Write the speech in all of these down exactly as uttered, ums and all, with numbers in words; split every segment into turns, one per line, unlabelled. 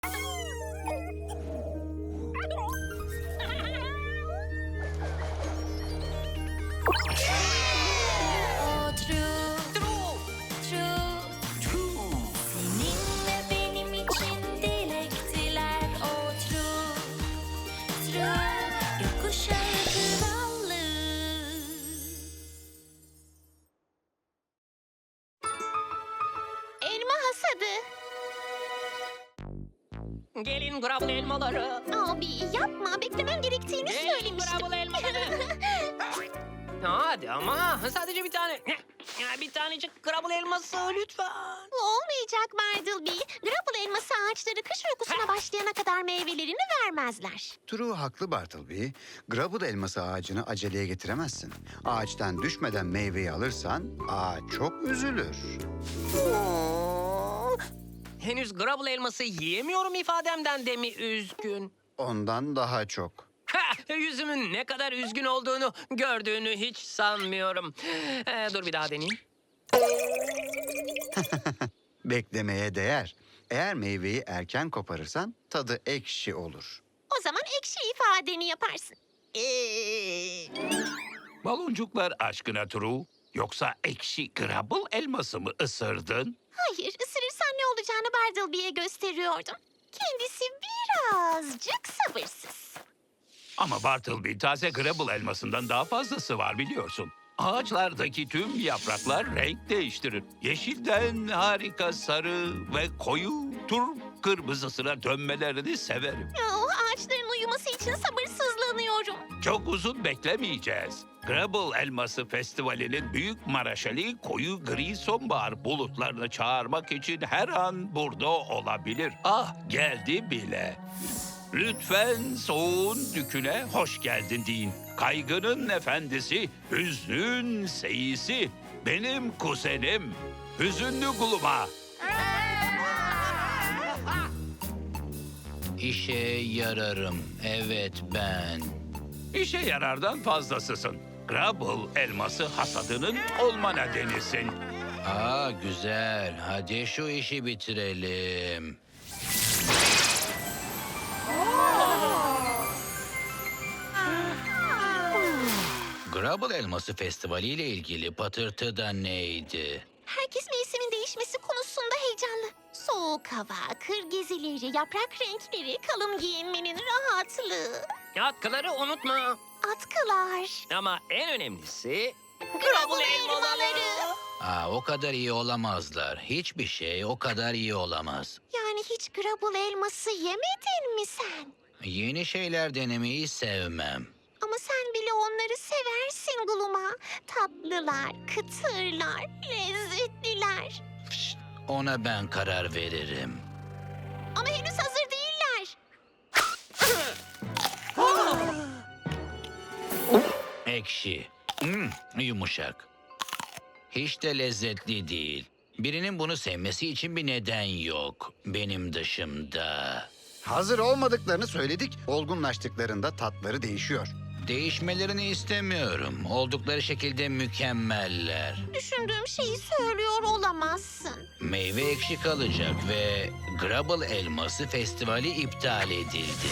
O true, true, true. Seninle benim için dilektiler. O true, true. Gökkuşağı krallığı.
Elma hasadı.
Gelin Grubble elmaları.
Abi yapma, beklemem gerektiğini
Gelin
söylemiştim.
Grubble elmaları. Hadi ama sadece bir tane. Ya bir tanecik Grubble elması lütfen.
Bu olmayacak Bartleby. Grapple elması ağaçları kış uykusuna başlayana kadar meyvelerini vermezler.
True haklı Bartleby. Grubble elması ağacını aceleye getiremezsin. Ağaçtan düşmeden meyveyi alırsan ağaç çok üzülür.
Henüz Grubble elması yiyemiyorum ifademden de mi üzgün?
Ondan daha çok.
Ha, yüzümün ne kadar üzgün olduğunu gördüğünü hiç sanmıyorum. Ee, dur bir daha deneyeyim.
Beklemeye değer. Eğer meyveyi erken koparırsan tadı ekşi olur.
O zaman ekşi ifadeni yaparsın. Ee,
Baloncuklar aşkına True. Yoksa ekşi Grubble elması mı ısırdın?
hayır, ısırırsan ne olacağını Bartleby'ye gösteriyordum. Kendisi birazcık sabırsız.
Ama Bartleby taze Grubble elmasından daha fazlası var biliyorsun. Ağaçlardaki tüm yapraklar renk değiştirir. Yeşilden harika sarı ve koyu turp kırmızısına dönmelerini severim.
Oh, ağaçların uyuması için sabırsızlanıyorum.
Çok uzun beklemeyeceğiz. Grubble Elması Festivali'nin büyük maraşali koyu gri sonbahar bulutlarını çağırmak için her an burada olabilir. Ah, geldi bile. Lütfen soğuğun düküne hoş geldin deyin. Kaygının efendisi, hüznün seyisi, benim kuzenim, hüzünlü Gluma.
İşe yararım. Evet ben.
İşe yarardan fazlasısın. Grubble elması hasadının olma nedenisin.
Aa güzel. Hadi şu işi bitirelim. Grubble Elması Festivali ile ilgili patırtı da neydi?
Herkes mevsimin değişmesi konusunda heyecanlı. Soğuk hava, kır gezileri, yaprak renkleri, kalın giyinmenin rahatlığı.
Atkıları unutma.
Atkılar.
Ama en önemlisi...
Grubble elmaları.
Aa o kadar iyi olamazlar. Hiçbir şey o kadar iyi olamaz.
Yani hiç Grubble elması yemedin mi sen?
Yeni şeyler denemeyi sevmem.
Ama sen bile onları seversin Gluma. Tatlılar, kıtırlar, lezzetliler.
Pişt, ona ben karar veririm.
Ama henüz hazır değiller.
Ekşi. Hmm, yumuşak. Hiç de lezzetli değil. Birinin bunu sevmesi için bir neden yok. Benim dışımda.
Hazır olmadıklarını söyledik. Olgunlaştıklarında tatları değişiyor.
Değişmelerini istemiyorum. Oldukları şekilde mükemmeller.
Düşündüğüm şeyi söylüyor olamazsın.
Meyve ekşi kalacak ve Grubble Elması Festivali iptal edildi.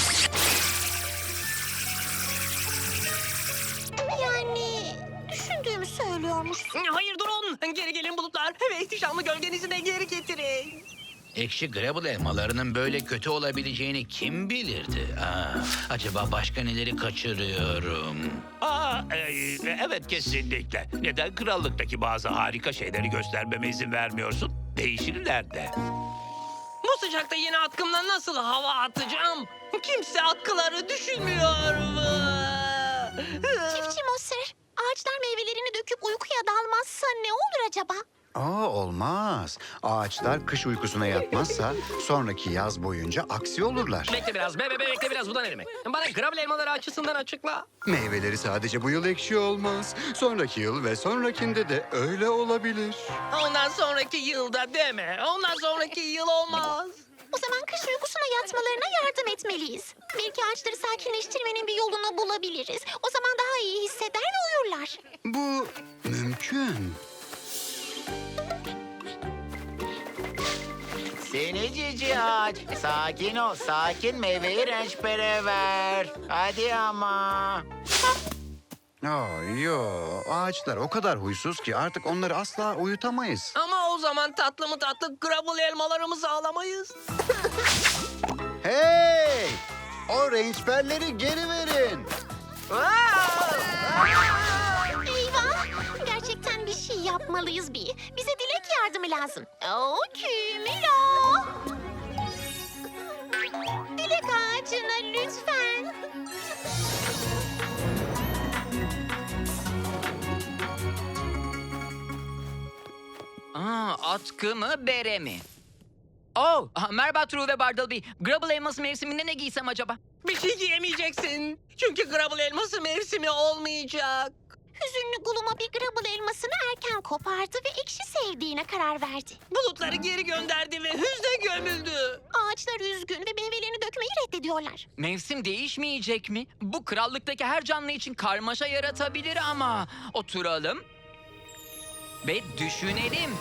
Yani düşündüğümü söylüyormuşsun.
Hayır durun. Geri gelin bulutlar. Ve ihtişamlı gölgenizi de geri getirin.
Ekşi Grubble elmalarının böyle kötü olabileceğini kim bilirdi? Aa, acaba başka neleri kaçırıyorum?
Aa, e, evet kesinlikle. Neden krallıktaki bazı harika şeyleri göstermeme izin vermiyorsun? Değişirler de.
Bu sıcakta yeni atkımla nasıl hava atacağım? Kimse atkıları düşünmüyor mu?
Çiftçi Moser, ağaçlar meyvelerini döküp uykuya dalmazsa ne olur acaba?
Aa olmaz. Ağaçlar kış uykusuna yatmazsa sonraki yaz boyunca aksi olurlar.
Bekle biraz. Be, be, be, bekle biraz. Bu da ne demek? Bana Grubble elmaları açısından açıkla.
Meyveleri sadece bu yıl ekşi olmaz. Sonraki yıl ve sonrakinde de öyle olabilir.
Ondan sonraki yılda deme. Ondan sonraki yıl olmaz.
O zaman kış uykusuna yatmalarına yardım etmeliyiz. Belki ağaçları sakinleştirmenin bir yolunu bulabiliriz. O zaman daha iyi hisseder ve uyurlar.
Bu mümkün.
Seni cici ağaç. Sakin ol, sakin meyveyi rençpere ver. Hadi ama.
Oh, yo, ağaçlar o kadar huysuz ki artık onları asla uyutamayız.
Ama o zaman tatlı mı tatlı Grubble elmalarımızı alamayız.
Hey! O rençberleri geri verin.
Eyvah! Gerçekten bir şey yapmalıyız bir. Bize dilek yardımı lazım. Oo, Kümülo! Dilek ağacına lütfen.
Aa, atkı mı, bere mi? Oh, aha, merhaba True ve Bartleby. Grubble elması mevsiminde ne giysem acaba?
Bir şey giyemeyeceksin. Çünkü Grubble elması mevsimi olmayacak.
Hüzünlü Gluma bir Grubble elmasını erken kopardı ve ekşi sevdiğine karar verdi.
Bulutları geri gönderdi ve hüzne gömüldü.
Ağaçlar üzgün ve meyvelerini dökmeyi reddediyorlar.
Mevsim değişmeyecek mi? Bu krallıktaki her canlı için karmaşa yaratabilir ama... Oturalım ve düşünelim.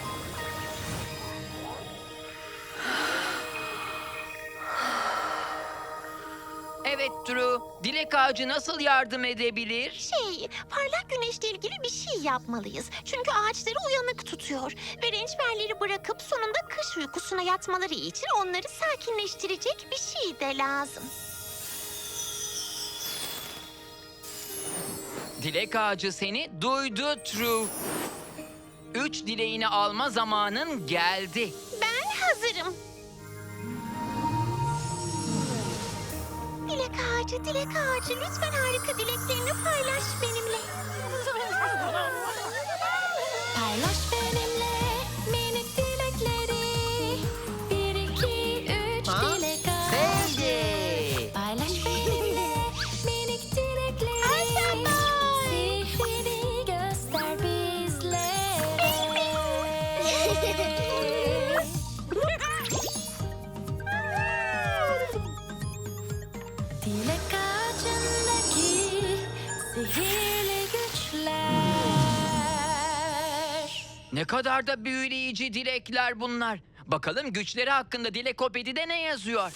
Evet True, dilek ağacı nasıl yardım edebilir?
Şey, parlak güneşle ilgili bir şey yapmalıyız. Çünkü ağaçları uyanık tutuyor. Ve rençberleri bırakıp sonunda kış uykusuna yatmaları için onları sakinleştirecek bir şey de lazım.
Dilek ağacı seni duydu True. Üç dileğini alma zamanın geldi.
Ben hazırım. Dilek ağacı, dilek ağacı lütfen harika dileklerini paylaş benimle.
Paylaş benimle minik dilekleri. Bir, iki, üç dilek ağacı.
Sevdi.
Paylaş benimle minik dilekleri. Sihrini göster bizlere. Dilek ağacındaki sihirli güçler.
Ne kadar da büyüleyici dilekler bunlar. Bakalım güçleri hakkında Dilekopedi'de ne yazıyor?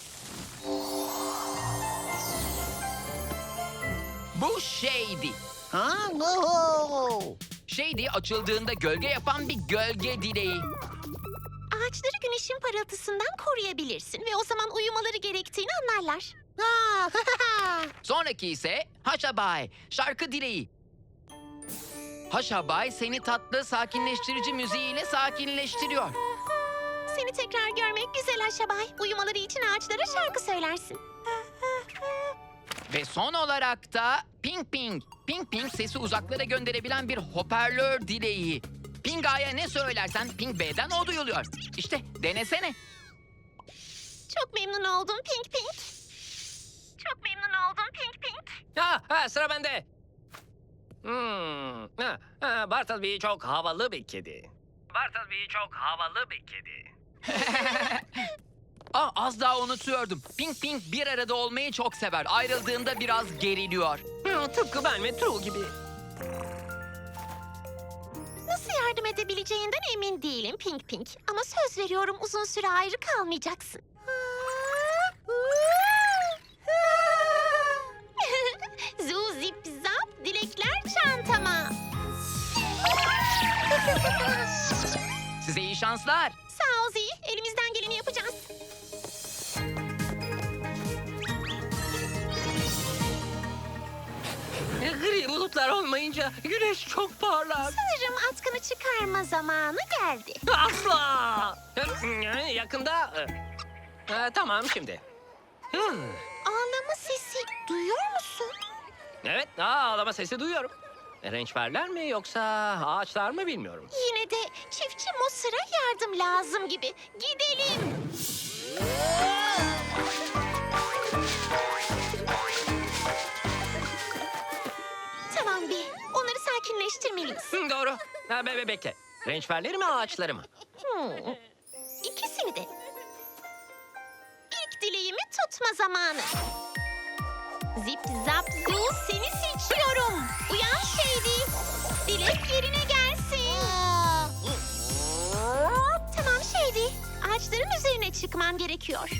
Bu Shady.
Ha? Oho.
Shady açıldığında gölge yapan bir gölge dileği.
Ağaçları güneşin parıltısından koruyabilirsin ve o zaman uyumaları gerektiğini anlarlar.
Sonraki ise Haşabay, şarkı dileği. Haşabay seni tatlı, sakinleştirici müziğiyle sakinleştiriyor.
Seni tekrar görmek güzel Aşabay. Uyumaları için ağaçlara şarkı söylersin.
Ve son olarak da Ping Ping. Ping Ping sesi uzaklara gönderebilen bir hoparlör dileği. Ping A'ya ne söylersen Ping B'den o duyuluyor. İşte denesene.
Çok memnun oldum Pink Pink. Çok memnun oldum Pink Pink.
Ha, ha sıra bende. Hmm. Ha, ha, Bartleby çok havalı bir kedi. Bartleby çok havalı bir kedi.
Aa, az daha unutuyordum. Ping Ping bir arada olmayı çok sever. Ayrıldığında biraz geriliyor.
Hı, tıpkı ben ve True gibi.
Nasıl yardım edebileceğinden emin değilim Pink Pink. Ama söz veriyorum uzun süre ayrı kalmayacaksın. Zu zip zap dilekler çantama.
Size iyi şanslar.
Sağ ol Zi. Elimizden geleni yapacağız.
E, Gri bulutlar olmayınca güneş çok parlak.
Sanırım atkını çıkarma zamanı geldi.
Asla. E, Yakında. e, e, Tamam şimdi. Hı,
Ağlama sesi duyuyor musun?
Evet, aa, ağlama sesi duyuyorum. E, Rençberler mi yoksa ağaçlar mı bilmiyorum.
Yine de çiftçi Mosır'a yardım lazım gibi. Gidelim. Tamam bir. Onları sakinleştirmeliyiz.
Hı, doğru. Ha, be, be, bekle. Rençberleri mi ağaçları mı?
Hmm. İkisini de. İlk dileğimi tutma zamanı. Zip zap zoo seni seçiyorum. Uyan Shady. Dilek yerine gelsin. Tamam Shady. Ağaçların üzerine çıkmam gerekiyor.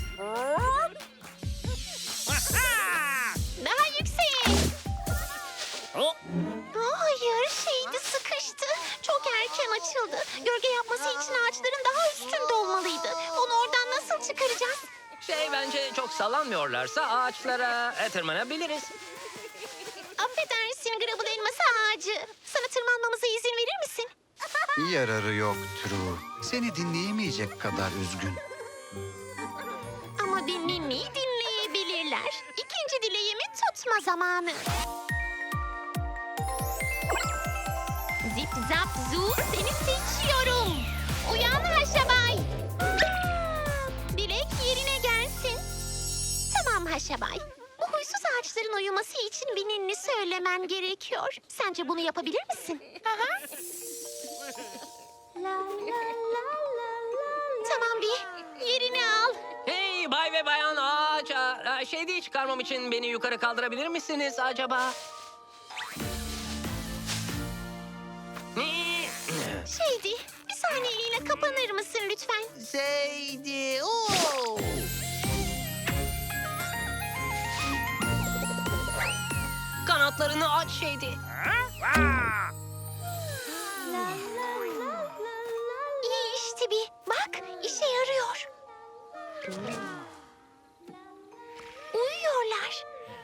Daha yüksek.
Oh,
Aa, hayır, şeydi sıkıştı. Çok erken açıldı. Gölge yapması için ağaçların daha üstünde olmalıydı. Onu oradan nasıl çıkaracağız?
şey bence çok sallanmıyorlarsa ağaçlara e, tırmanabiliriz.
Affedersin Grubble elması ağacı. Sana tırmanmamıza izin verir misin?
Yararı yok True. Seni dinleyemeyecek kadar üzgün.
Ama bir Mimi'yi dinleyebilirler. İkinci dileğimi tutma zamanı. Zip zap zoo seni seçiyorum. Uyan Haşabay. Dilek yerine gelsin. Tamam Haşabay. Bu huysuz ağaçların uyuması için bir ninni söylemen gerekiyor. Sence bunu yapabilir misin? Aha. Tamam bir yerini al.
Hey bay ve bayan ağaç. aa, Şey değil çıkarmam için beni yukarı kaldırabilir misiniz acaba?
Şeydi, bir saniyeliğine kapanır mısın lütfen?
Seydi. Oo.
Kanatlarını aç şeydi.
İyi işte bir. Bak, işe yarıyor. Uyuyorlar.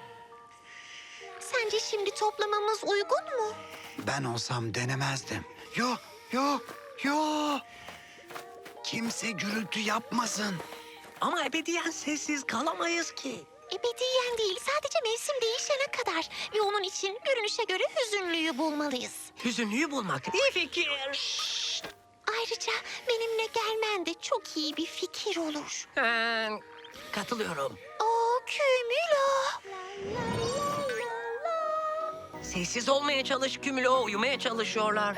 Sence şimdi toplamamız uygun mu?
Ben olsam denemezdim. Yo, yo, yo. Kimse gürültü yapmasın.
Ama ebediyen sessiz kalamayız ki.
Ebediyen değil, sadece mevsim değişene kadar. Ve onun için görünüşe göre hüzünlüyü bulmalıyız.
Hüzünlüyü bulmak iyi fikir.
Ayrıca benimle gelmen de çok iyi bir fikir olur.
Ha, katılıyorum.
Oo, Kümülo.
Sessiz olmaya çalış Kümülo. Uyumaya çalışıyorlar.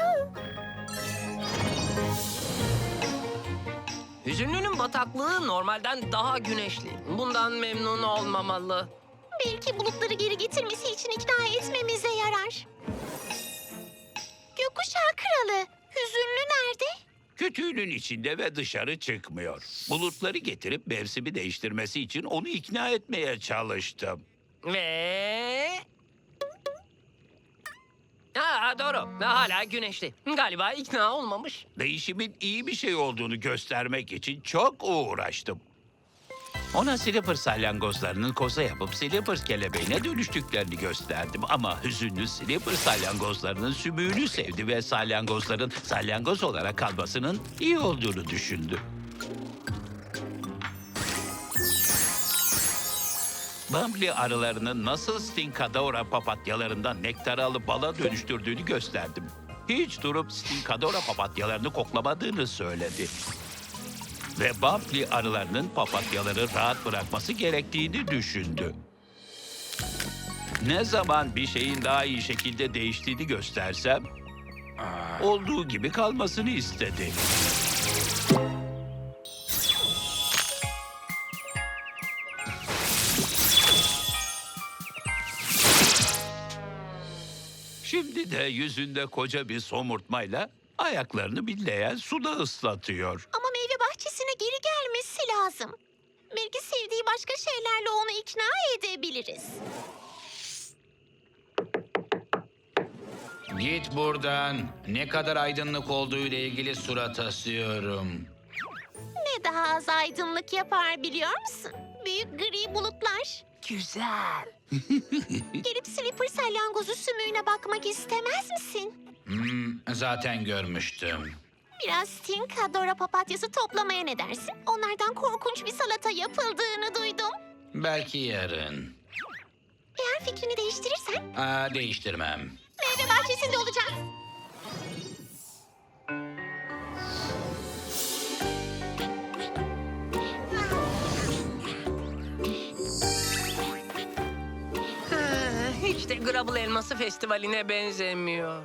Hüzünlünün bataklığı normalden daha güneşli. Bundan memnun olmamalı.
Belki bulutları geri getirmesi için ikna etmemize yarar. Gökkuşağı kralı, hüzünlü nerede?
Kütüğünün içinde ve dışarı çıkmıyor. Bulutları getirip mevsimi değiştirmesi için onu ikna etmeye çalıştım.
Ve... Ha, doğru. Hala güneşli. Galiba ikna olmamış.
Değişimin iyi bir şey olduğunu göstermek için çok uğraştım. Ona Slipper salyangozlarının koza yapıp Slipper kelebeğine dönüştüklerini gösterdim. Ama hüzünlü Slipper salyangozlarının sümüğünü sevdi ve salyangozların salyangoz olarak kalmasının iyi olduğunu düşündü. Bumbly arılarının nasıl Stinkadora papatyalarından nektarı alıp bala dönüştürdüğünü gösterdim. Hiç durup Stinkadora papatyalarını koklamadığını söyledi. Ve Bumbly arılarının papatyaları rahat bırakması gerektiğini düşündü. Ne zaman bir şeyin daha iyi şekilde değiştiğini göstersem, olduğu gibi kalmasını istedi. Şimdi de yüzünde koca bir somurtmayla ayaklarını billeyen suda ıslatıyor.
Ama meyve bahçesine geri gelmesi lazım. Belki sevdiği başka şeylerle onu ikna edebiliriz.
Git buradan. Ne kadar aydınlık olduğu ile ilgili surat asıyorum.
Ne daha az aydınlık yapar biliyor musun? Büyük gri bulutlar.
Güzel.
Gelip Slipper salyangozu sümüğüne bakmak istemez misin?
Hmm, zaten görmüştüm.
Biraz Stinkadora papatyası toplamaya ne dersin? Onlardan korkunç bir salata yapıldığını duydum.
Belki yarın.
Eğer fikrini değiştirirsen
Aa, değiştirmem.
meyve bahçesinde olacağız.
Ha, hiç de Grubble Elması Festivali'ne benzemiyor.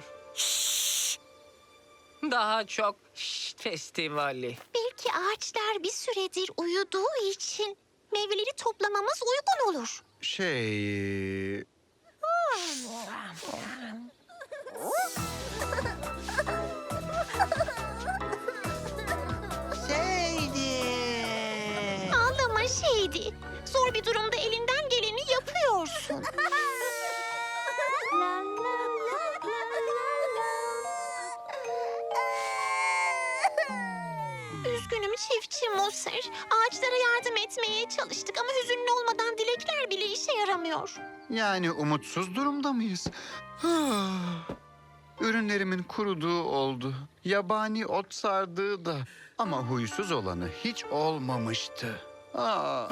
Daha çok şşt festivali.
Belki ağaçlar bir süredir uyuduğu için meyveleri toplamamız uygun olur.
Şey...
Seydi.
Hadi. Zor bir durumda elinden geleni yapıyorsun. Üzgünüm çiftçi Moser. Ağaçlara yardım etmeye çalıştık ama hüzünlü olmadan dilekler bile işe yaramıyor.
Yani umutsuz durumda mıyız? Ürünlerimin kuruduğu oldu. Yabani ot sardığı da. Ama huysuz olanı hiç olmamıştı. Ah.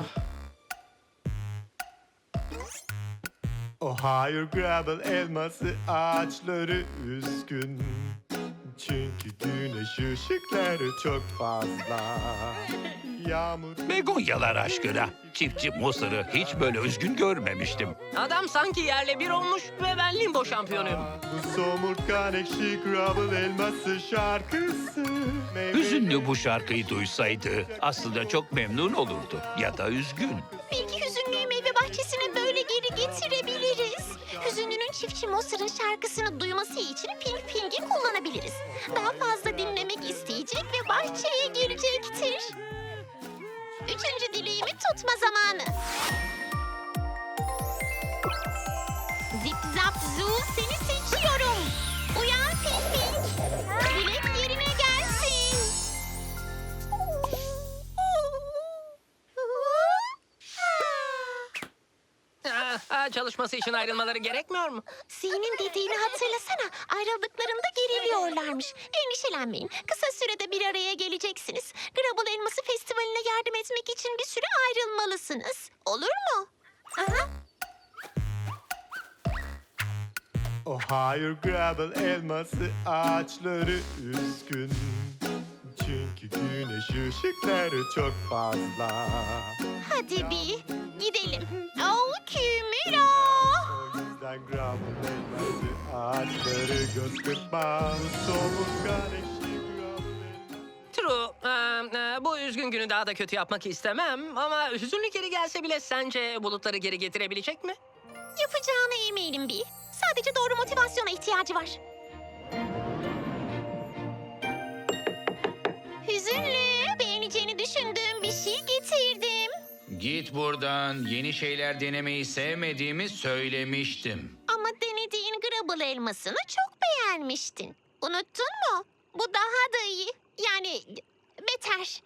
O hayır Grubble elması ağaçları üzgün. Çünkü güneş ışıkları çok fazla. Yağmur...
Begonyalar aşkına. Çiftçi Mısır'ı hiç böyle üzgün görmemiştim.
Adam sanki yerle bir olmuş ve ben limbo şampiyonuyum.
Bu somurtkan ekşi Grubble elması şarkısı. Meyve-
Hüzünlü bu şarkıyı duysaydı aslında çok memnun olurdu. Ya da üzgün.
Belki hüzünlüyü meyve bahçesine böyle geri getirebiliriz. Hüzünlünün çiftçi Moser'ın şarkısını duyması için Pink Pink'i kullanabiliriz. Daha fazla dinlemek isteyecek ve bahçeye girecektir. Üçüncü dileğimi tutma zamanı. Zip zap zoo seni seçiyorum. Uyan Pink Pink. Dilek yerine gelsin.
Aa, aa, çalışması için ayrılmaları gerekmiyor mu?
Z'nin dediğini hatırlasana. Ayrıldıklarında geriliyorlarmış. Endişelenmeyin. Kısa sürede bir araya geleceksiniz. Grubble Elması Festivali'ne yardım etmek için bir süre ayrılmalısınız. Olur mu? Aha.
O hayır Grubble elması ağaçları üzgün. Çünkü güneş ışıkları çok fazla.
Hadi bir gidelim. Oh Kümülo.
O yüzden Grubble elması ağaçları göz kırpma. Bu somurtkan ekşi Grubble elması.
True. Aa, aa, bu üzgün günü daha da kötü yapmak istemem ama hüzünlü geri gelse bile sence bulutları geri getirebilecek mi?
Yapacağına eminim bir. Sadece doğru motivasyona ihtiyacı var. Hüzünlü, beğeneceğini düşündüğüm bir şey getirdim.
Git buradan. Yeni şeyler denemeyi sevmediğimi söylemiştim.
Ama denediğin Grubble elmasını çok beğenmiştin. Unuttun mu? Bu daha da iyi. Yani beter.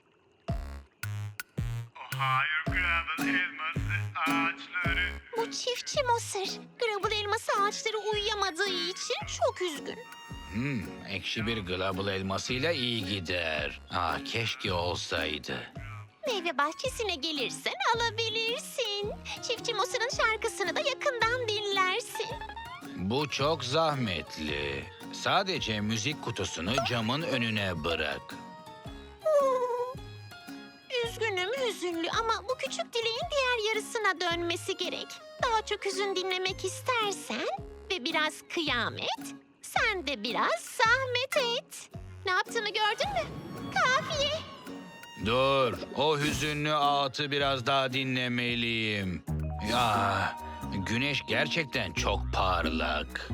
O hayır Grubble elması ağaçları.
Bu çiftçi Moser. Grubble elması ağaçları uyuyamadığı için çok üzgün.
Hmm, ekşi bir global elmasıyla iyi gider. Ah, keşke olsaydı.
Meyve bahçesine gelirsen alabilirsin. Çiftçi Moser'ın şarkısını da yakından dinlersin.
Bu çok zahmetli. Sadece müzik kutusunu camın önüne bırak.
Üzgünüm hüzünlü ama bu küçük dileğin diğer yarısına dönmesi gerek. Daha çok hüzün dinlemek istersen ve biraz kıyamet, sen de biraz zahmet et. Ne yaptığımı gördün mü? Kafiye.
Dur, o hüzünlü ağıtı biraz daha dinlemeliyim. Ya, güneş gerçekten çok parlak.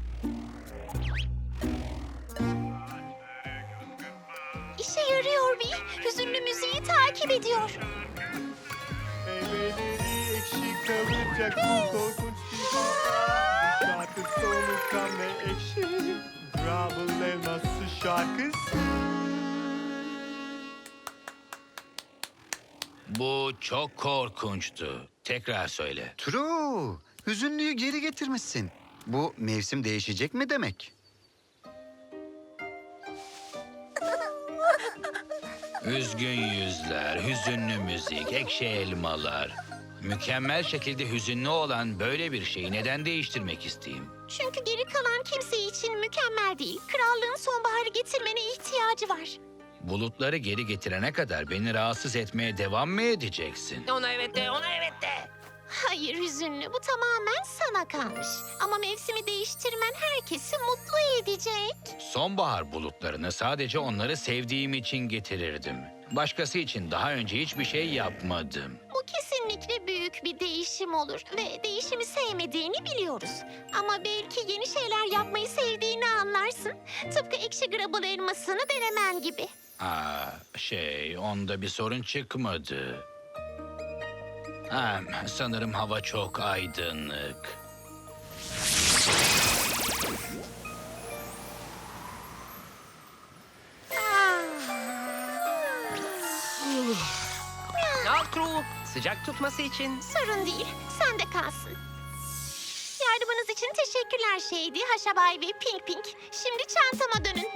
İşe yarıyor bir. Hüzünlü müziği takip ediyor.
Meyveleri ekşi kalacak bu korkunç bir hava. Şarkı solukkan ve ekşi. Grubble elması şarkısı.
Bu çok korkunçtu. Tekrar söyle.
True. Hüzünlüyü geri getirmişsin. Bu mevsim değişecek mi demek?
Üzgün yüzler, hüzünlü müzik, ekşi elmalar. Mükemmel şekilde hüzünlü olan böyle bir şeyi neden değiştirmek isteyeyim?
Çünkü geri kalan kimse için mükemmel değil. Krallığın sonbaharı getirmene ihtiyacı var.
Bulutları geri getirene kadar beni rahatsız etmeye devam mı edeceksin?
Ona evet de, ona evet de.
Hayır hüzünlü, bu tamamen sana kalmış. Ama mevsimi değiştirmen herkesi mutlu edecek.
Sonbahar bulutlarını sadece onları sevdiğim için getirirdim. Başkası için daha önce hiçbir şey yapmadım.
Bu kesinlikle büyük bir değişim olur ve değişimi sevmediğini biliyoruz. Ama belki yeni şeyler yapmayı sevdiğini anlarsın. Tıpkı ekşi Grubble elmasını denemen gibi.
Aa, şey, onda bir sorun çıkmadı. Ha, sanırım hava çok aydınlık.
Al Kru, sıcak tutması için.
Sorun değil, sen de kalsın. Yardımınız için teşekkürler Shady, Haşabay ve Pink Pink. Şimdi çantama dönün.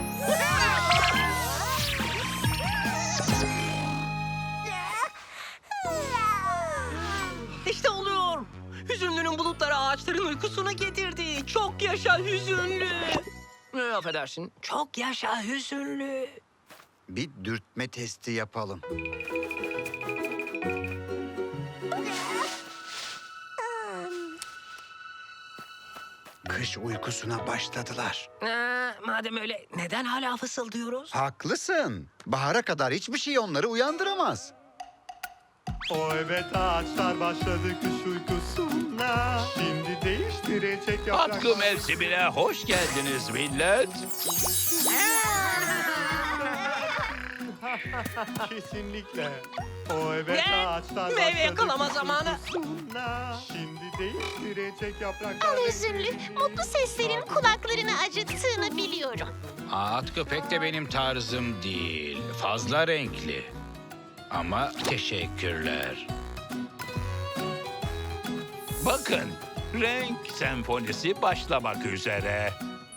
İşte oluyor. Hüzünlünün bulutları ağaçların uykusuna getirdi. Çok yaşa hüzünlü. Ne affedersin? Çok yaşa hüzünlü.
Bir dürtme testi yapalım. Kış uykusuna başladılar.
Ee, madem öyle neden hala fısıldıyoruz?
Haklısın. Bahara kadar hiçbir şey onları uyandıramaz.
O evet ağaçlar başladı kış uykusuna. Şimdi değiştirecek yapraklar.
Atkı mevsimine hoş geldiniz millet.
Kesinlikle. O evet
Ne?
ağaçlar
Meyve
başladı
yakalama
kış
zamanı.
uykusuna. Şimdi değiştirecek yapraklar.
Al hüzünlü, mutlu seslerin kulaklarını acıttığını biliyorum.
At köpek de benim tarzım değil. Fazla renkli. Ama teşekkürler.
Bakın, renk senfonisi başlamak üzere.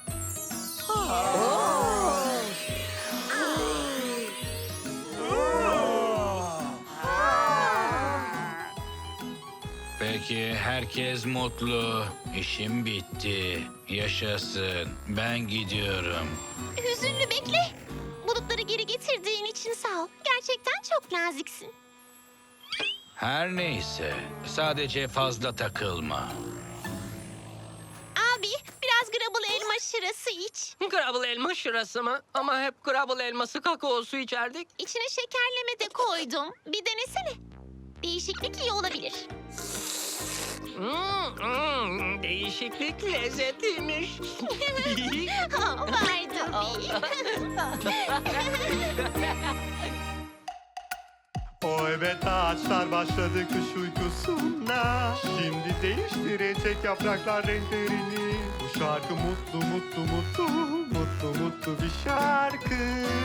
Peki herkes mutlu. İşim bitti. Yaşasın. Ben gidiyorum.
Hüzünlü bekle. Bulutları geri getirdiğin için sağ ol. Gerçekten çok naziksin.
Her neyse. Sadece fazla takılma.
Abi, biraz Grubble elma şırası iç.
Grubble elma şırası mı? Ama hep Grubble elması kakaosu içerdik.
İçine şekerleme de koydum. Bir denesene. Değişiklik iyi olabilir.
Hmm, hmm, değişiklik lezzetliymiş.
Ha, vardı
O evet ağaçlar başladı kış uykusuna. Şimdi değiştirecek yapraklar renklerini. Bu şarkı mutlu mutlu mutlu mutlu mutlu bir şarkı.